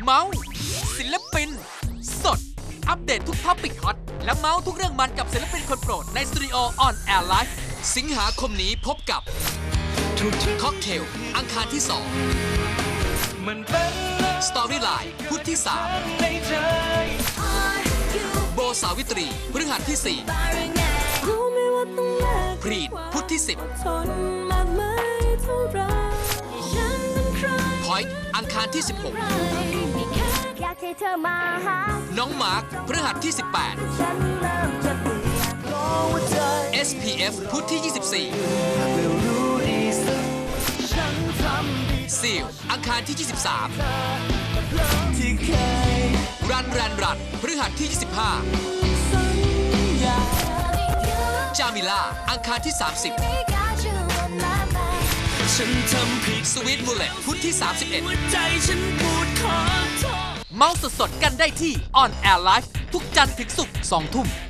เมาส์ศิลปินสดอัปเดตทุกท็อปิกฮอตและเมาส์ทุกเรื่องมันกับศิลปินคนโปรดในสตูดิโอออนแอร์ไลฟ์สิงหาคมนี้พบกับค็อกเทลอังคารที่2สตอรี่ไลน์พุธที่3โบสาวิตรีพฤหัสที่4พรีดพุธที่10พอยต์อังคารที่16น้องมาร์คพฤหัสที่18 SPF พุธที่24ซีลอังคารที่23รันพฤหัสที่25จามิล่าอังคารที่30สวีทมูเลตพุธที่31เมาส์สดๆกันได้ที่ On Air Live ทุกจันทร์ถึงศุกร์ 20:00 น